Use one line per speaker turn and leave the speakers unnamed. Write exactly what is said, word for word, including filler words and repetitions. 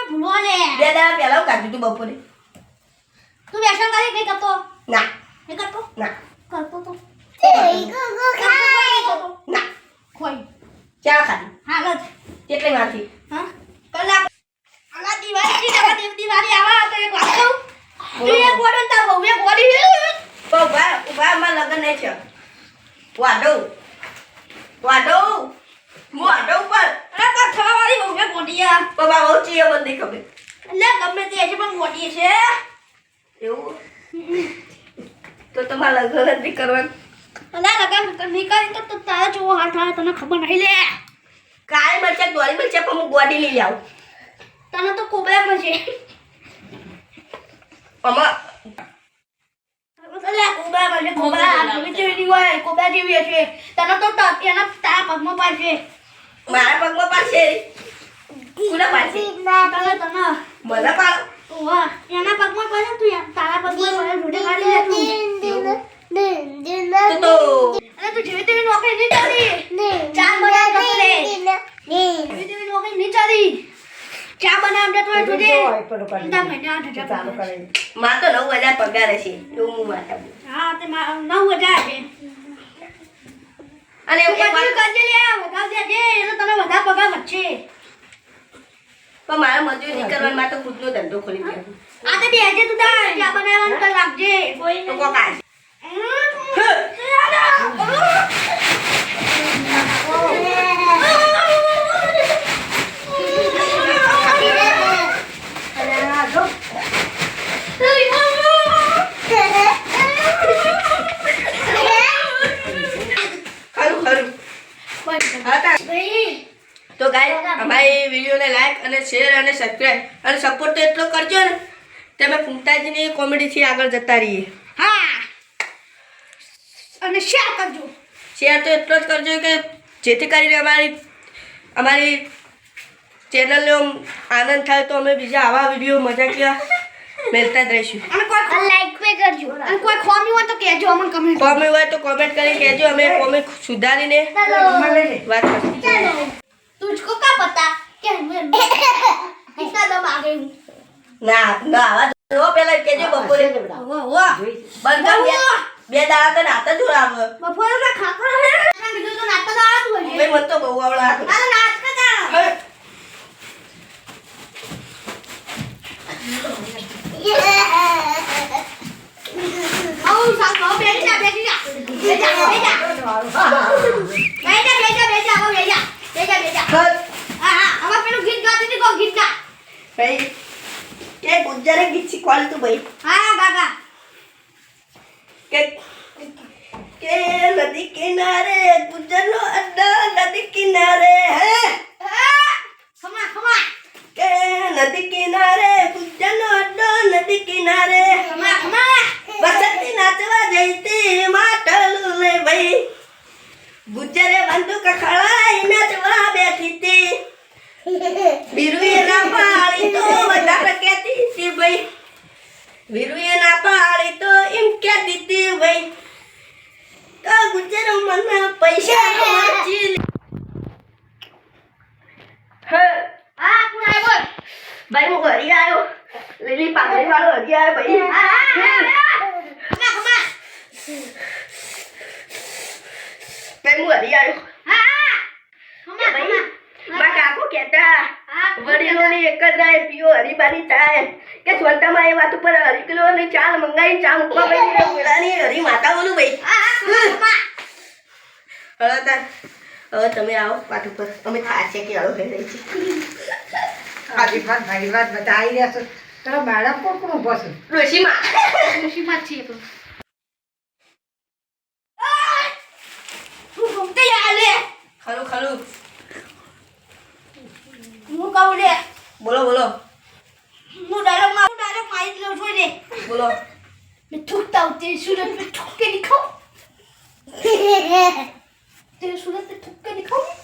ભૂલો લે
બે દાડા પહેલા હું કાઢ્યું તું બપોરે
તું વ્યસન કરી નહીં કરતો
ના
નહીં કરતો
ના
કરતો તો
ના
ખોઈ
ચા ખાધી
હાલત
કેટલી માંથી
હા કલાક અલા દિવાળી ની દિવાળી આવા તો એક વાત કહું તું એક ગોડો તા બહુ એક ગોડી
ઉભા ઉભા માં લગન નહીં છે વાડો વાડો વાડો પર
અરે પર થવા વાળી બહુ એક ગોડીયા
બાબા બહુ ચીયો બંધી ખબર
એટલે ગમે તે છે પણ ગોડી છે
એવું તો તમારે લગન નથી કરવાનું
અલા લગન નહીં કરી તો તારા જેવો હાલ થાય તને ખબર નહીં લે
કાય મરચા દોરી મરચા પણ હું ગોડી લઈ આવું
તને તો કોબરા મળશે
અમા
અલા કોબરા મળશે કોબરા જેવી જેવી હોય કોબરા જેવી હશે તને તો એના તારા પગમાં પાડશે
મારા પગમાં પાડશે કોના પાડશે
તને તને
મને પાડ
વાહ એના પગમાં પાડે તું તારા પગમાં પાડે રોડે કાઢી લે તું
તો તો
અરે તું જેવી તેવી નોકરી નહીં ચાલી ચાર બનાવ કરતો રે જેવી તેવી નોકરી નહીં ચાલી ચા બનાવ દે તો જોજે તા મહિને આઠ હજાર ચાલુ કરે
માં તો નવ હજાર પગાર છે એવું હું માતા
હા તે નવ હજાર છે
અને એક
તું
વાત
કરજે લે વધારે દે એટલે તને વધારે પગાર વધશે
પણ મારા મજૂરી નહીં કરવાની માં તો ખુદનો ધંધો ખોલી દે
આ તો બેજે તું તાર ચા બનાવવાનું તો રાખજે કોઈ
તો કોકા તો ગાઈસ અમારી વિડીયોને લાઈક અને શેર અને સબસ્ક્રાઇબ અને સપોર્ટ તો એટલો કરજો ને તમે ફૂંકતાજીની કોમેડીથી આગળ જતા રહીએ
હા અને શેર કરજો
શેર તો એટલો જ કરજો કે જેથી કરીને અમારી અમારી ચેનલનો આનંદ થાય તો અમે બીજા આવા વિડીયો મજાકિયા મેળતા જ રહીશું
અને કોઈ લાઈક પે કરજો અને કોઈ ખોમી હોય તો કહેજો અમને કમેન્ટ
કોમેન્ટ હોય તો કોમેન્ટ કરીને કહેજો અમે કોમેન્ટ સુધારીને વાત કરશું
चलो तुझको क्या पता कि मैं कितना दम आ गई हूँ
ના ના આવા જો પેલા કેજો બપોરે
वो वो
બંધ કર બે બે દાડા તો નાતા જો આવ
बपोर का खाकर है ना बिल्कुल तो नाटक आ तू है
ભાઈ મન તો બહુ આવડા
अरे नाच का था आओ साथ आओ बैठ जा बैठ जा बैठ जा बैठ जा बैठ जा बैठ जा बैठ जा आओ बैठ जा बैठ जा बैठ जा हां हां अब पेલું ગીત ગાતી હતી કો ગીત ગા
ભાઈ કે ગુજરે ગીત શીખવાડ તું ભાઈ
હા ગાગા
કે કે નદી કિનારે ગુજરનો અડ્ડા નદી કિનારે હે
ખમા ખમા
કે નદી કિનારે ગુજરનો અડ્ડો નદી કિનારે
ખમા ખમા
વસંતી નાચવા જઈતી માટલું લે ભાઈ ગુજરે બંદૂક ખળાઈ નાચવા બેઠી તી બીરુએ ના પાડી તો વધારે કહેતી હતી ભાઈ બીરુએ ના પાડી તો એમ કહેતી હતી ભાઈ તો ગુજર મને પૈસા વાંચી હે
આ કોણ આવ્યો
ભાઈ હું ઘરે આવ્યો લીલી પાઘડી વાળો હજી આવ્યો ભાઈ
હા ખમા ખમા
ભાઈ હું ઘરે આવ્યો
હા ખમા
ભાઈ
ખમા
માં કાકો કહેતા
હા
વડીલોની એક જ રાય પીઓ હરીબાની ચાય કે સ્વંતામાં એ વાત ઉપર હરી કિલો ની ચાલ મંગાઈ ચા મૂકવા ભાઈ મેળાની હરી માતા બોલું ભાઈ
હા ખમા
હવે તાર હવે તમે આવો પાટ ઉપર અમે થાશે કે આવો થઈ રહી છે
આજી વાત મારી વાત બધા આવી રહ્યા છો તારા બાળક કોણ કોણ ઉભો છે
ડોશીમાં
ખુશીમાં છે તો તું ઘૂમતે આલે
ખરું ખરું
હું કહું લે
બોલો બોલો
હું ડાયલોગ માં ડાયલોગ મારી લઉં છું ને
બોલો
मैं थूकता हूँ तेरी सूरत में थूक के दिखाऊं तेरी सूरत में थूक के दिखाऊं